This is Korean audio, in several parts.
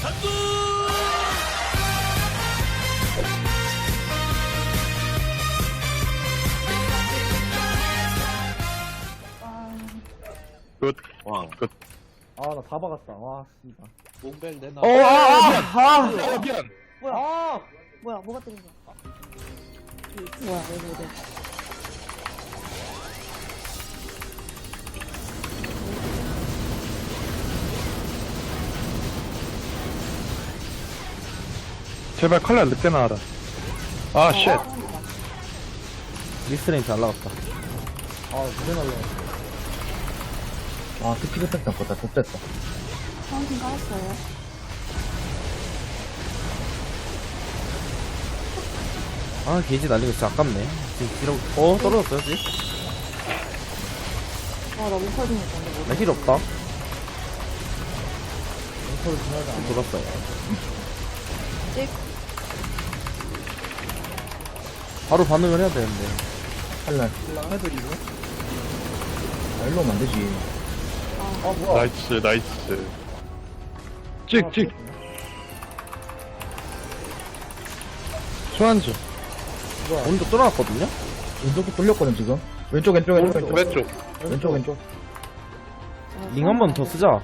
굿. 와. 굿. 아, 나 다 박았다. 와, 씨발. 몽벨 내놔. 미안. 뭐야? 아! 뭐야? 뭐가 때린 거야? 뭐야? 왜? 제발 칼날 늦게 나와라. 아, 쉣. 미스레인트 날라갔다. 아, 무대 날라갔어. 아, 스피드 팩트 아깝다. 좆됐다. 파운틴 깔았어요. 아, 게이지 날리고 진짜 아깝네. 지금 뒤로, 떨어졌어요, 지금? 와, 나 못할 좀 했는데. 나 힐 없다. 앵콜 지나지 않아. 돌았어요. 찍. 바로 반응을 해야 되는데. 칼날. 해드리고. 아, 일로 오면 안 되지. 아, 뭐야. 나이스, 나이스. 찍. 소환수. 오른쪽 뚫어놨거든요? 왼쪽도 뚫렸거든, 지금. 왼쪽. 왼쪽. 왼쪽. 링 한 번 더 쓰자.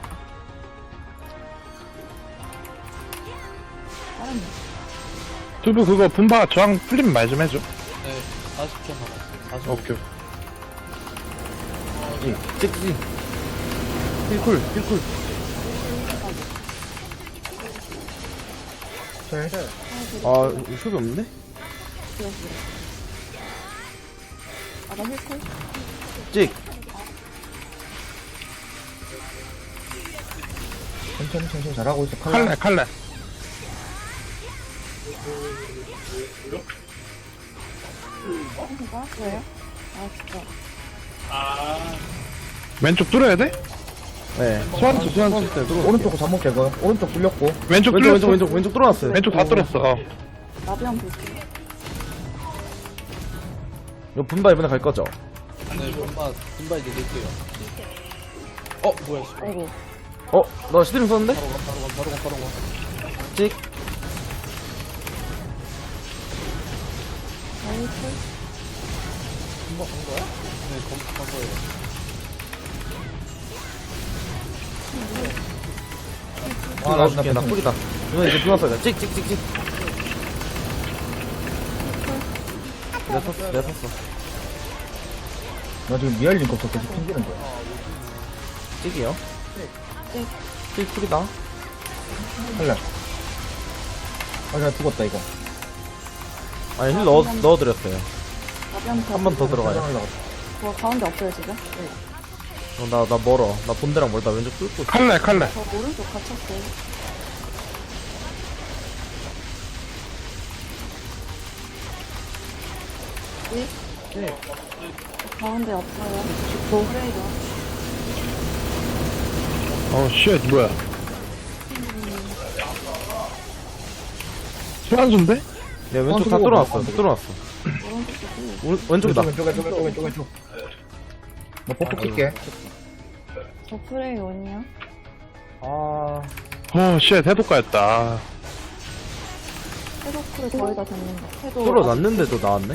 다른 두부 그거 분바 저항 풀리면 말 좀 해줘. 네, 40초 남았어. 40초. 오케이. 찍. 힐쿨. 아, 이거 숍이 없는데? 아, 나 힐콜? 찍. 천천히 잘하고 있어. 칼날. 칼날. 파운틴 깔았어요? 아, 진짜. 왼쪽 뚫어야 돼? 네. 소환수. 오른쪽 잠못 제거. 오른쪽 뚫렸고. 왼쪽 뚫렸어. 왼쪽 뚫어놨어요. 왼쪽 다 뚫었어. 나비랑 볼게요. 이거 분바 이번에 갈 거죠? 네, 분발 이제 낼게요. 뭐야, 씨. 아이고. 나 시드링 썼는데? 바로 가. 찍. 나 힐콜? 네, 검색한 거예요. 아, 나줄게. 나 꿀이다. 이거 이제 들어왔어요. 찍. 내가 샀어. 나 지금 미알 링크 없어. 계속 튕기는 거야. 찍이요? 찍. 찍 꿀이다. 칼날. 아, 나 죽었다, 이거. 아니, 힐 넣어드렸어요. 나비랑 한 번 더 들어가요. 뭐 가운데 없어요, 지금? 나 멀어. 나 본대랑 멀다. 왼쪽 뚫고 있어. 칼날. 저 오른쪽 갇혔어요. 찍. 가운데 없어요. 브레이드. 쉣, 뭐야. 소환수인데? 내 왼쪽 다 뚫어놨어. 왼쪽이다. 왼쪽. 나 뽀뽀 낄게. 저 프레이 원이요? 아, 쉣, 해독가였다. 해독쿨이 거의 다 됐는데. 해독. 뚫어놨는데도 나왔네?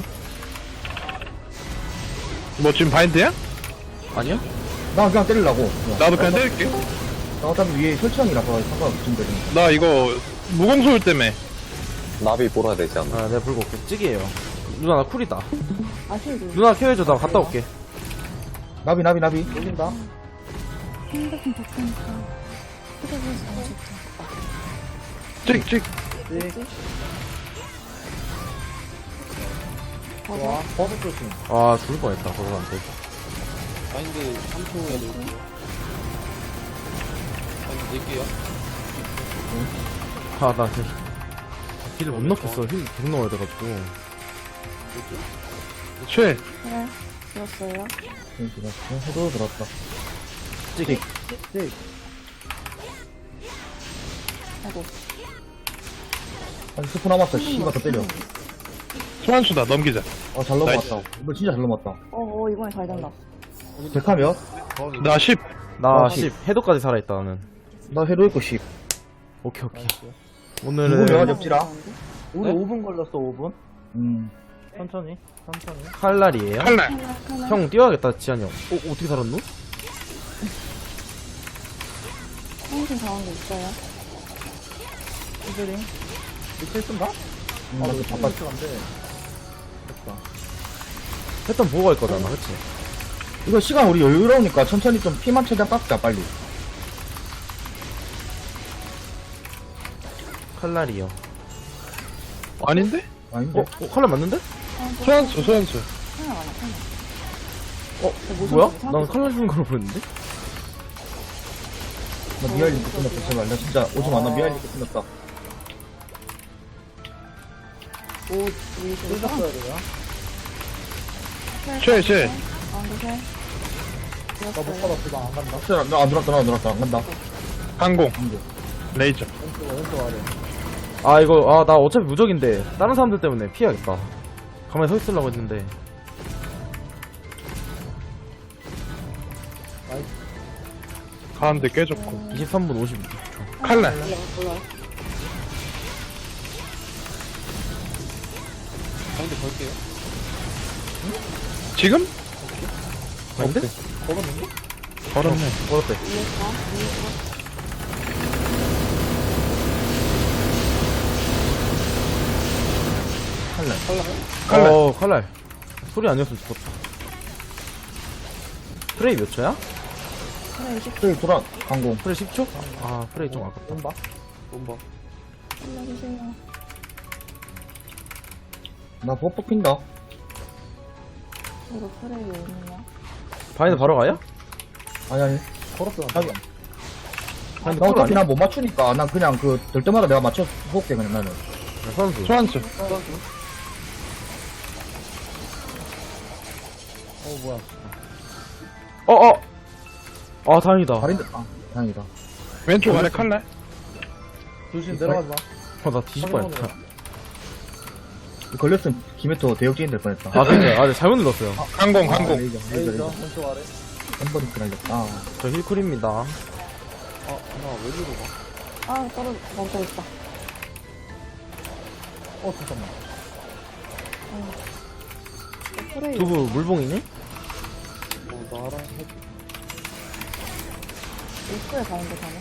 뭐 지금 바인드야? 아니야? 나 그냥 때리려고. 나도 그냥 때릴게. 나 어차피 위에 설치형이라서 상관없음 되는 나 이거 무공소율 때문에. 나비 몰아야 되지 않나? 아, 내가 불고 올게. 찍이에요. 누나, 나 쿨이다. 아, 힐. 누나 케어해줘. 나 갔다 올게. 나비. 올린다. 핸드폰 바꾸니까. 휴대폰에서 너무 좋다. 찍. 와, 버섯 조심. 아, 죽을 뻔했다. 저거한테. 바인드 3초에 넣을게요. 바인드 낼게요. 아, 나 힐을 못 넣겠어. 힐 계속 넣어야 돼가지고. 쉣. 그래. 들었어요. 해도 들었다. 찍. 아이고. 아니, 스프 남았어. 씨가 더 때려. 소환수다, 넘기자. 잘 넘어왔다. 이거 진짜 잘 넘어왔다. 이번에 잘 된다. 데카 몇? 나 10. 나 10. 해도까지 살아있다, 나는. 나 해도 있고 10. 오케이 오케이. 나이스. 5분 오늘은 명화 접지라. 우리 네? 5분 걸렸어, 5분. 천천히. 칼날이에요. 칼날. 형 뛰어야겠다 지한이 형. 어떻게 살았노? 형신 가운데 있어요. 히드링. 밑에 쓴다? 나 이거 바빠. 안 돼. 됐다. 패턴 보고 갈 거잖아, 그치? 이거 시간 우리 여유로우니까 천천히 좀 피만 최대한 깎자, 빨리. 칼날이요. 아닌데? 아닌데? 칼날 맞는데? 소환수, 소환수. 하나 많아, 하나. 뭐야? 난 칼날 쓰는 걸로 보였는데? 나 미아일 링크 끝났어, 제발. 나 진짜 오지 마, 나 미아일 링크 끝났다. 오, 우리 지금 뜯었어야 돼요. 쉐. 가운데 셋. 나못 받았어, 나 안 간다. 진짜 나안 들었다, 나 안 들었다, 안 간다. 항공. 안 돼. 레이저. 왼쪽 아래. 아 이거 나 어차피 무적인데 다른 사람들 때문에 피해야겠다. 가만히 서 있으려고 했는데. 가운데 깨졌고. 23분 56초. 칼날. 몰라. 바인드 걸게요. 지금? 아닌데? 걸었는데? 걸었네. 걸었대. 위에서. 칼날. 칼날. 소리 아니었으면 죽었다. 프레이 몇 초야? 하나 20. 저기 돌아, 강공. 프레이 10초? 아 프레이 좀 아깝다. 온다. 몸박. 올려주세요. 나 버프 핀다. 이거 프레이 왜 있냐? 바인드 바로 가요? 아니. 걸었어, 안 자기, 돼. 바인드 나 쿨 어차피 아니야? 나 못 맞추니까, 난 그냥 될 때마다 내가 맞춰 볼게, 그냥 나는. 선수. 소환수. 뭐야. 아 다행이다. 발인데, 다행이다. 왼쪽 아래 칼날. 조심, 내려가지 마. 나 뒤질 뻔했다. 걸렸으면 김해토 대역죄인 될 뻔했다. 아 그니까 네, 잘못 눌렀어요. 항공, 항공. 레이저, 레이저, 레이저. 왼쪽 아래. 엠버리스 날렸다. 저 힐쿨입니다. 나 왜 이리로 가? 아, 멈춰 있다. 잠깐만. 프레이. 두부 물봉이니? 나랑 입구에 가운데 가네.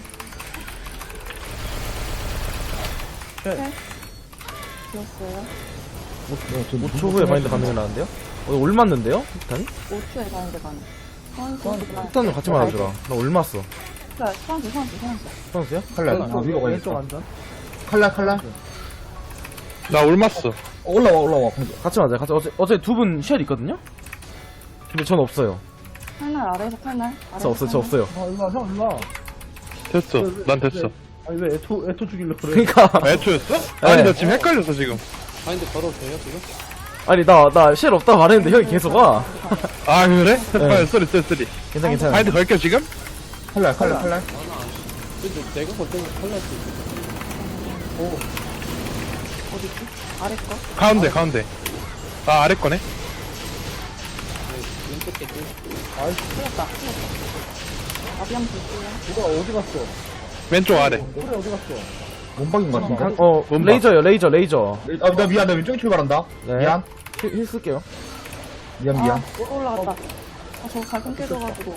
셋. 비었어요. 5초 후에 바인드 가능하는데요? 올 맞는데요? 폭탄이? 5초에 가운데 가네. 폭탄을 같이 맞아주라. 나 올 맞어. 소환수. 선수야? 칼날, 왼쪽, 위로 왼쪽 가야겠다. 안전. 칼날. 나 올맞어. 올라와. 같이 맞아요. 어제 두 분 쉘 있거든요? 근데 전 없어요. 칼날 아래에서 칼날. 저 없어요. 일로 와, 형, 일로 와. 됐어. 난 됐어. 아니, 왜 애토 죽이려고 그래? 그니까. 애초였어? 아니, 네. 나 지금 헷갈렸어, 지금. 바인드 걸어도 돼요 지금? 아니, 나 쉘 없다고 말했는데 형이 계속 와. 아, 그래? 네. 쏘리. 괜찮아. 바인드 걸게, 지금? 칼날. 근데 내가 걸 때는 칼날 수 있어. 어디지? 아래 거? 가운데. 아, 아래 거네? 왼쪽 게 틀렸다. 나비 한번 볼게요. 누가 어디 갔어? 왼쪽 아래. 그래, 어디 갔어? 몸박인 것 같은데. 뭔가. 레이저요, 레이저. 나 미안, 나 왼쪽에 출발한다. 네. 미안. 힐 쓸게요. 미안. 올라갔다. 저 갈등 깨져가지고.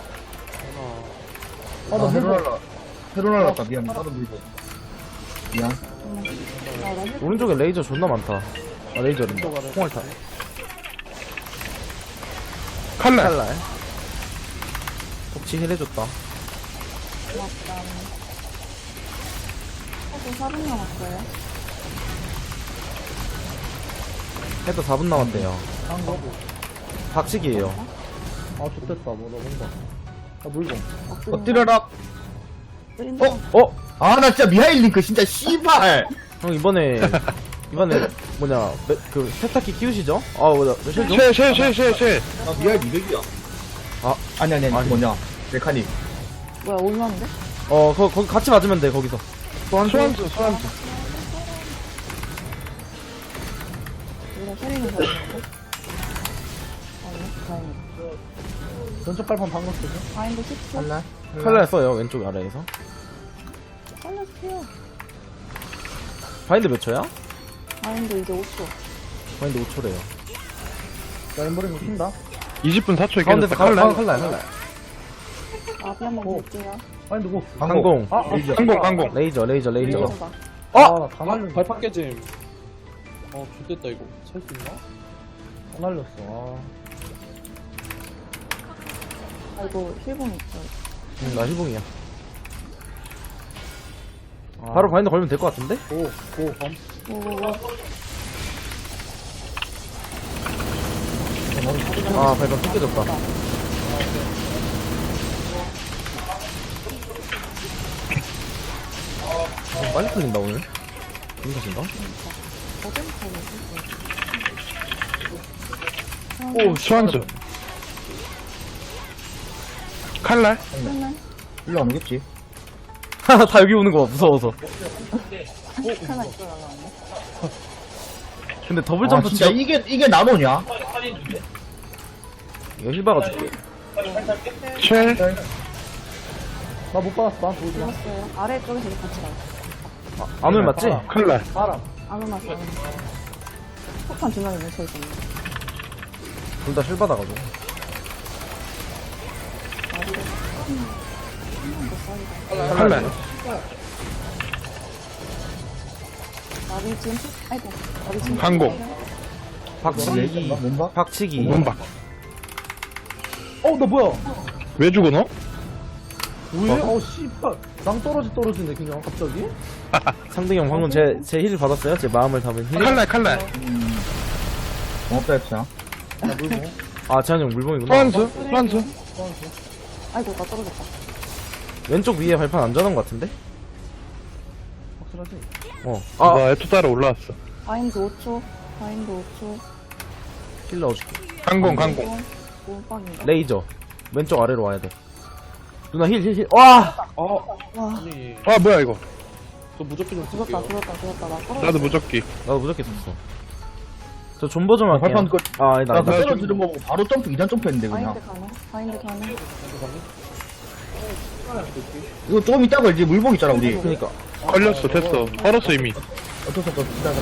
나 새로 날랐다. 미안. 나도 물고. 미안. 오른쪽에 레이저 존나 많다. 아, 레이저랜다. 홍알타. 칼날. 덕치 힐 해줬다. 고맙다. 저 4분 남았어요. 해도 4분 남았대요. 한 거? 박치기예요. 아, 좋됐다. 나 뭔가. 물건. 엎드려라. 쓰린다. 아, 나 진짜 미하일 링크 진짜 씨발. 형 이번에 그 세탁기 키우시죠? 쉘 좀? 쉐. 나 미하일 200이야. 아니. 뭐냐. 메카닉. 뭐야, 올라는데? 거기 같이 맞으면 돼, 거기서. 소환수. 우리가 세리는 거 같은데? 아니, 다행이다. 왼쪽 발판 방금 쓰죠? 바인드 10초. 칼날. 칼날 써요, 왼쪽 아래에서. 살려주세요. 바인드 몇 초야? 바인드 이제 5초. 바인드 5초래요. 자, 엠버링 킨다. 20분 4초에 가운데서 깨졌다. 칼날. 칼날. 나비 한번 볼게요. 바인드 고. 항공. 아, 항공. 레이저. 레이저가. 아, 다 날렸어. 발판 깨짐. 좋됐다, 이거. 살 수 있나? 다 날렸어. 아이고, 힐봉 있어요. 나 힐봉이야. 바로 바인드 걸면 될 것 같은데? 고, 검. 오오오. 아, 발판 또 깨졌다. 빨리 풀린다, 오늘. 무슨 탓인가? 오, 수환수. 칼날. 일로 안 오겠지? 다 여기 오는 거 봐, 무서워서. 하나 있어 날라왔네. 근데 더블 아, 점프 진짜 이게 나노냐? 이거 힐 박아줄게. 쉘. 나 못 받았어. 나 보지 마. 들었어요. 아래쪽에서 이제 같이 가요. 안 오면 맞지? 칼날. 바람. 안 오났어. 폭탄 두 명이 뭉쳐있었네. 둘 다 힐 받아가지고. 칼날. 나비 지금, 아이고. 나비 지금. 항공. 박치기. 뭔가? 박치기. 문박. 나 뭐야? 왜 죽어 너? 왜? 씨발. 낭 떨어지네, 그냥, 갑자기? 상등이 형 방금 제 힐 받았어요? 제 마음을 담은 힐? 칼날. 고맙다, 했어. 나 물고. 아, 재환이 형 물봉이구나. 수환수. 아이고, 나 떨어졌다. 왼쪽 위에 발판 안전한 것 같은데? 확실하지? 나 에투 따라 올라왔어. 바인드 5초. 바인드 5초. 힐 넣어줄게. 항공. 몸빵인가? 레이저. 왼쪽 아래로 와야 돼. 누나 힐. 와! 와, 아니, 아, 뭐야 이거. 저 무조건 좀 죽었다. 쓸게요. 나 떨어졌어. 나도 무적기. 나도 무적게 썼어. 저 존버 좀 할게요. 발판 끝. 아, 아니다. 나 아니다. 떨어지는 거 보고 바로 점프, 2단 점프 했는데, 그냥. 바인드 가능. 이거 조금 이따 걸지, 물복 있잖아, 우리. 그니까. 걸렸어. 됐어. 걸었어 이미. 어쩔 수 없어, 기다려.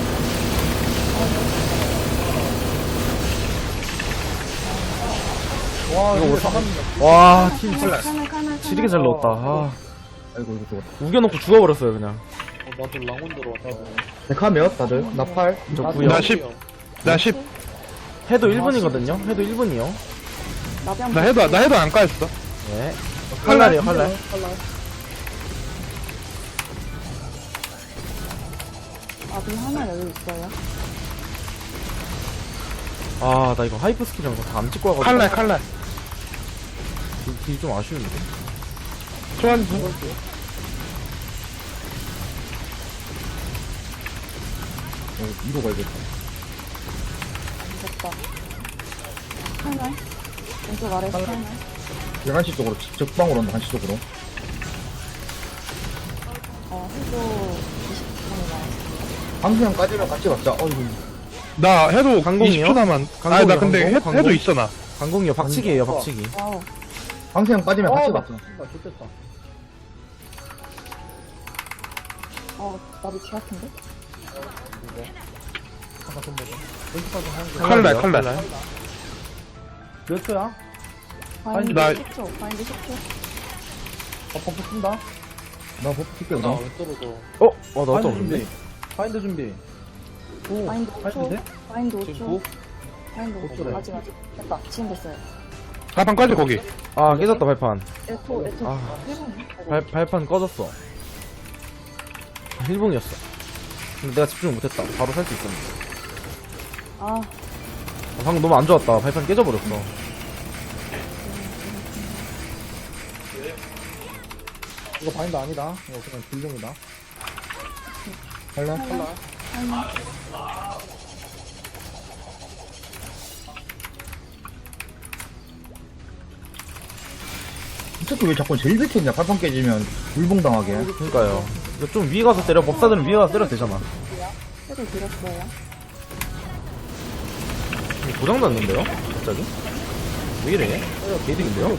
와, 이거 이거 뭐 다 와, 힐 칼날. 지리게 잘 넣었다. 아, 아이고, 이거 죽었다. 우겨놓고 죽어버렸어요, 그냥. 나도 랑온 들어왔다. 데카 몇, 다들? 나 8. 저 나도 구요. 나 10. 나 10. 해도 1분이거든요? 해도 1분이요. 나비 한 나 해도 안 까였어. 네. 칼날이에요, 칼날. 나비 하나 여기 있어요. 아, 나 이거 하이프 스킬이랑 다 안 찍고 와가지고. 칼날. 딜좀 아쉬운데. 수환수. 이거 걸겠다. 됐다. 칼날. 왼쪽 아래 칼날. 11시 쪽으로, 적방으로 온다, 1시 쪽으로. 해도 20분이 나왔어. 방수형까지는 같이 갔자. 어이구. 나 해도 강공이요? 20초 남았. 강공이요, 나 근데 강공? 해도 있어 나. 강공이요, 박치기예요, 박치기. 와우. 방수형 빠지면 같이 갔자. 나 좋겠다. 나비 개 같은데? 잠깐 좀 보자. 왼쪽까지 하는 거. 칼날. 몇 초야? 바인드 나- 10초. 바인드 10초. 버프 쓴다. 나 버프 킬게, 나 그냥. 왜 떨어져? 나 바인드 어떤 준비. 건데? 바인드 준비. 오, 바인드 바인드 5초. 돼? 바인드 지금 5초. 9? 바인드 5초. 아직. 됐다. 지금 됐어요. 가방까지 거기. 아, 깨졌다, 발판. 에토. 아. 1분. 발판 꺼졌어. 1분이었어. 근데 내가 집중을 못했다. 바로 살 수 있었는데. 아, 방금 너무 안 좋았다. 발판 깨져버렸어. 이거 바인드 아니다. 이거 그냥 불용이다. 할래? 이 새끼 왜 자꾸 제일 밑에 있냐? 발판 깨지면 물봉당하게. 그니까요. 이거 좀 위에 가서 때려. 법사들은 위에 가서 때려도 되잖아. 해도 드렸어요. 이거 고장났는데요? 갑자기? 왜 이래? 개득인데요?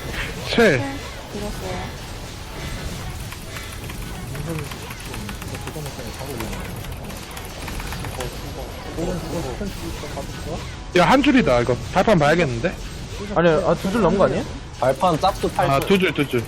쉘. 드렸어요. 야, 한 줄이다, 이거. 발판 봐야겠는데? 아니, 아, 2줄 넘은 거 아니에요? 발판 짝수 8줄. 아, 두 줄.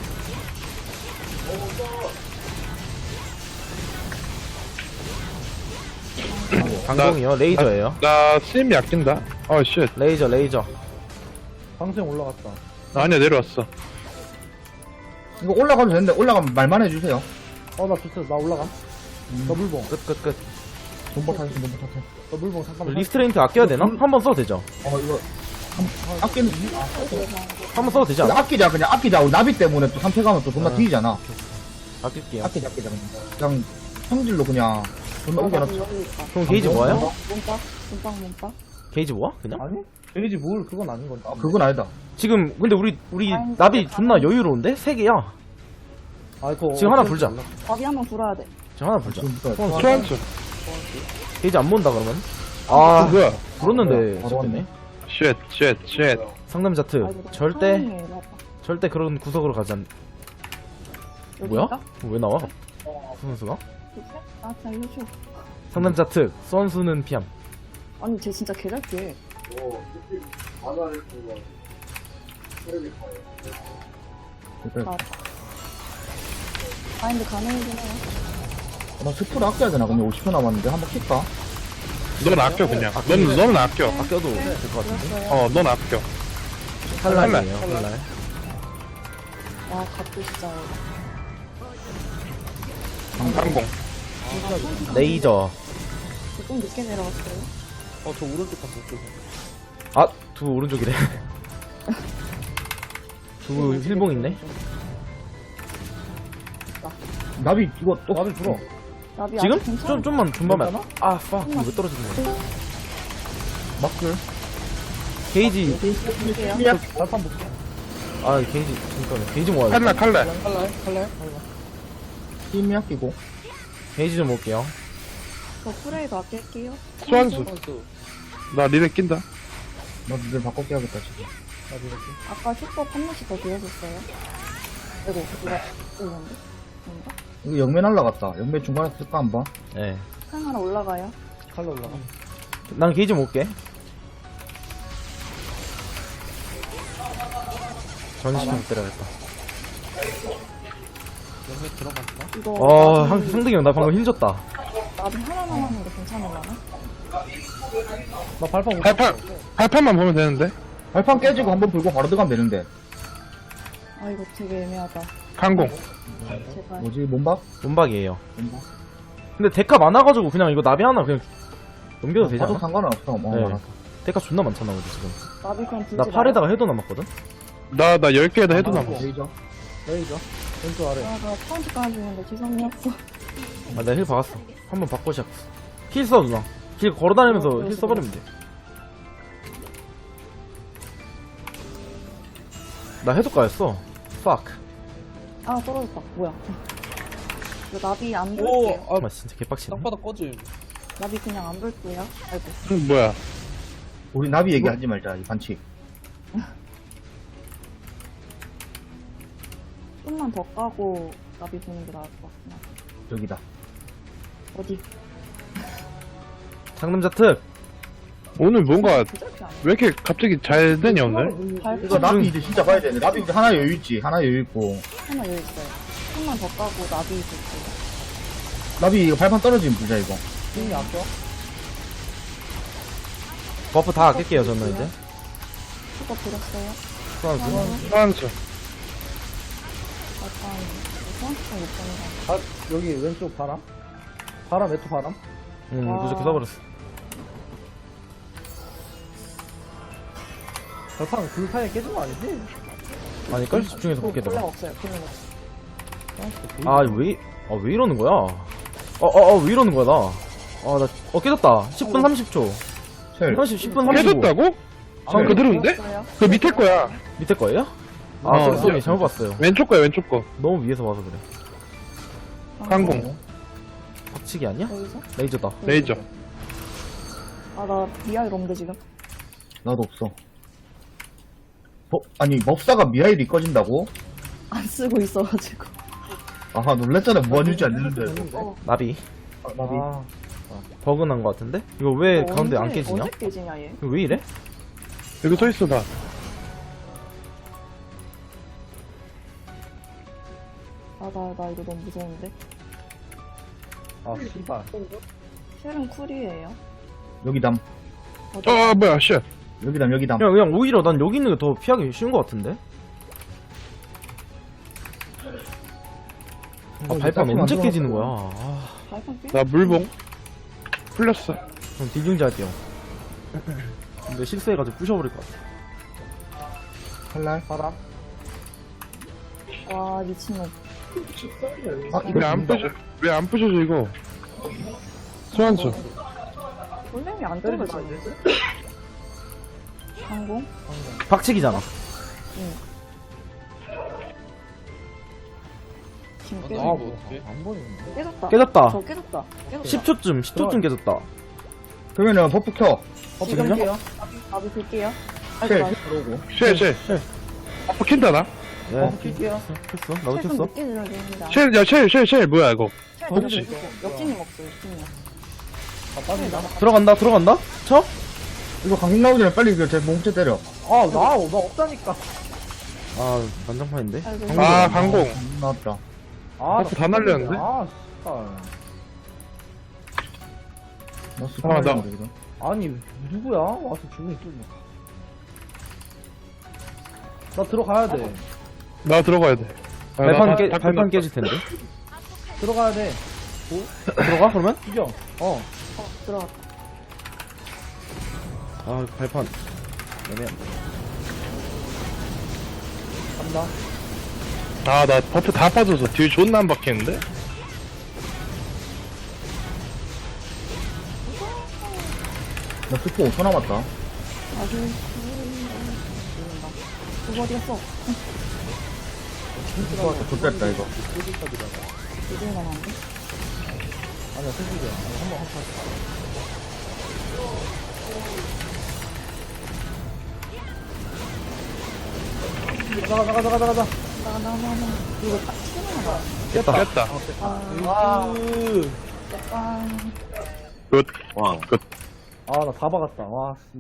강공이요? 레이저예요. 나 스님이 아낀다. 쉣. 레이저. 방생 올라갔다. 아니야, 내려왔어. 이거 올라가도 되는데, 올라가면 말만 해주세요. 나 좋다. 나 올라가. 나 물봉. 끝. 돈버 타세요, 돈버 타세요. 나 물봉 잠깐만. 리스트레인트 아껴야 되나? 한 번 써도 되죠. 이거, 아끼는, 한 번 써도 되지 않아? 그냥 아끼자. 우리 나비 때문에 또 상태 가면 또 존나 뒤지잖아. 아낄게요. 아끼자, 그냥 성질로 그냥 존나 우겨놨어. 여기 있다. 그럼 게이지 뭐예요? 몸빵. 게이지 뭐야? 그냥? 아니? 데이지 뭘, 그건 아닌 건데. 그건 아니다. 지금, 근데 우리 나비 존나 여유로운데? 3개야. 그거 지금 하나 불자. 밥이 한번 불어야 돼. 지금 하나 불자. 소환수. 게이지 안 모은다, 그러면? 뭐야? 불었는데, 바로 됐네. 쉣. 상남자 특. 절대 그런 구석으로 가지 않. 뭐야? 왜 나와? 선수가? 나 알려줘. 상남자 특. 선수는 피함. 아니 쟤 진짜 개잘게. 바인드 가능이긴 해요. 나 스프를 아껴야 되나? 근데 50초 남았는데 한번 킬까? 넌 아껴, 그냥. 넌 아껴. 아껴도 될 것 같은데? 넌 아껴. 칼날이에요, 칼날. 와 갑도 진짜. 항공. 레이저. 좀 늦게 내려갔어요. 저 오른쪽 갔어. 아, 두부 오른쪽이래. 두부 힐봉 있네? 나비 이거 또 나비 불어. 나비 지금? 아직 괜찮아. 좀만 존버만. 괜찮아? 아, fuck. 이거 왜 떨어지는 거야? 막글. 게이지. 볼게요. 발판 볼게. 아, 게이지. 잠깐만. 게이지 모아야 돼. 칼날. 칼날. 힘이 아끼고. 게이지 좀 모을게요. 저 프레이도 아낄게요. 소환수. 선수. 나 리레 낀다. 나 니들 바꿔 깨야겠다 지금. 아까 슈퍼 한 번씩 더 비워줬어요. 아이고 누가 이건데? 뭔가? 이거 영매 날라갔다. 영매 중간에 쓸까 한번. 예. 상 하나 올라가요. 칼로 올라가. 난 게이지 모을게. 전시품 때려야겠다. 영매 들어갔나? 이거 상득이 형, 나 방금 힘 줬다. 나비 하나 남았는데 괜찮을라나? 나 발판 못 발판만 보면 되는데. 발판 깨지고 한번 불고 바로 들어가면 되는데. 아 이거 되게 애매하다. 항공. 제발. 뭐지 몸박? 몸박이에요. 몸박. 근데 데카 많아가지고 그냥 이거 나비 하나 그냥 넘겨도 되지 봐도 않아? 상관은 없어. 네. 알았어. 데카 존나 많잖아, 우리 지금. 나비 그럼 불지 나 팔에다가 해도 남았거든? 나 10개에다 해도 남았어. 레이저. 레이저. 왼쪽 아래. 나 파운트 깔아주는데 지성이 없어. 아, 내가 힐 박았어. 한 번 바꿔 시작했어. 힐 써, 누나. 힐 걸어다니면서 힐 써버리면 돼. 나 해독가였어. fuck. 아 떨어졌다. 뭐야? 이거 나비 안 오, 불게요. 아, 진짜 개빡치네. 땅바닥 꺼짐. 나비 그냥 안 불게요. 아이고. 뭐야? 우리 나비 얘기하지 말자. 이 반칙. 좀만 더 까고 나비 보는 게 나을 것 같구나. 여기다. 어디? 장남자 특. 오늘 뭔가 부작이 아니야? 왜 이렇게 갑자기 잘 되냐, 오늘? 발 이거 나비 이제 진짜 봐야 되네. 나비 이제 하나 여유 있지. 하나 여유 있고. 하나 여기 있어요. 좀만 더 까고 나비 볼게요. 나비 이거 발판 떨어지면 불자 이거. 힘이 아껴. 버프 다 아낄게요, 저는 이제. 수거 드렸어요. 수완수. 소환수. 약간 수완수가 못 보는 거 여기 왼쪽 바람. 바람, 외투 바람. 무조건 써버렸어. 발판 그 사이에 깨진 거 아니지? 아니걸? 집중해서 볼게, 별로 내가. 없어요. 별로 없어. 아, 왜 이러는 거야? 왜 이러는 거야, 나? 깨졌다. 10분 30초. 셀. 10분 35초. 깨졌다고? 그대로인데? 없어요. 그 밑에 거야. 밑에 거예요? 어, 쏘리 잘못 봤어요. 왼쪽 거야, 왼쪽 거. 너무 위에서 봐서 그래. 항공. 박치기 아니야? 여기서? 레이저다. 레이저. 아, 나 미아일 없는데 지금. 나도 없어. 아니 법사가 미하일이 꺼진다고? 안 쓰고 있어가지고. 아하 놀랬잖아. 무한유지 안 되는데. 어, 나비. 나비. 아, 버그 난 거 같은데? 이거 왜 가운데 안 깨지냐? 언제 깨지냐, 얘? 이거 왜 이래? 여기 서있어, 나. 나 이거 너무 무서운데? 아, 씨발. 쉘은 쿨이에요. 여기 담. 뭐야, 쉣. 여기 담, 여기 담. 그냥 오히려 난 여기 있는 게 더 피하기 쉬운 거 같은데? 아, 발판 언제 깨지는 거야? 아, 발판 깨? 나 물봉. 풀렸어. 그럼 딜중지 할게요. 근데 실수해가지고 부셔버릴 것 같아. 칼날. 바람. 와, 미친놈. 아, 이거 왜 안 부셔져, 이거? 소환수. 골렘이 안 때리지 떨어지네. 항공? 박치기잖아. 지금 아, 깨졌다. 나 이거 어떡해? 안 보이는데. 깨졌다. 깨졌다. 저 깨졌다. 깨졌다. 10초쯤 깨졌다. 그러면은 버프 켜. 지금 그럼요? 깨요. 나도 볼게요. 쉘, 아이고, 들어오고. 쉣. 아빠 킨다, 나? 네. 킬게요. 켰어? 나도 쉘좀 켰어? 늦게 들어야 됩니다. 쉣, 뭐야, 이거. 역진님 없어, 역진님. 들어간다. 쳐? 이거 강공 나오기 전에 빨리 제 몸체 때려. 아, 나 없다니까. 아, 난장판인데? 아이고. 아, 강공. 강공 나왔다. 아, 버프 다 날렸는데? 아, 씨발. 나 아, 스파이어 나- 이거. 아니, 누구야? 와서 죽는 뚫려. 나 들어가야 돼. 나 들어가야 돼. 아, 나 다 발판 끝났다. 깨질 텐데. 들어가야 돼. 들어가, 그러면? 죽여. 들어갔다. 아, 발판. 애매한데. 간다. 아, 나 버프 다 빠져서 딜 존나 안 박히는데? 나 스포 5초 남았다. 아주, 그거 어디 갔어? 좋됐다, 이거. 이중이 남았는데? 아니야, 승식이야. 한번 가자. 나가. 이거 딱 치는 거야. 깼다. 아, 약간. 굿. 와. 굿. 아, 나 다 박았다. 와, 씨.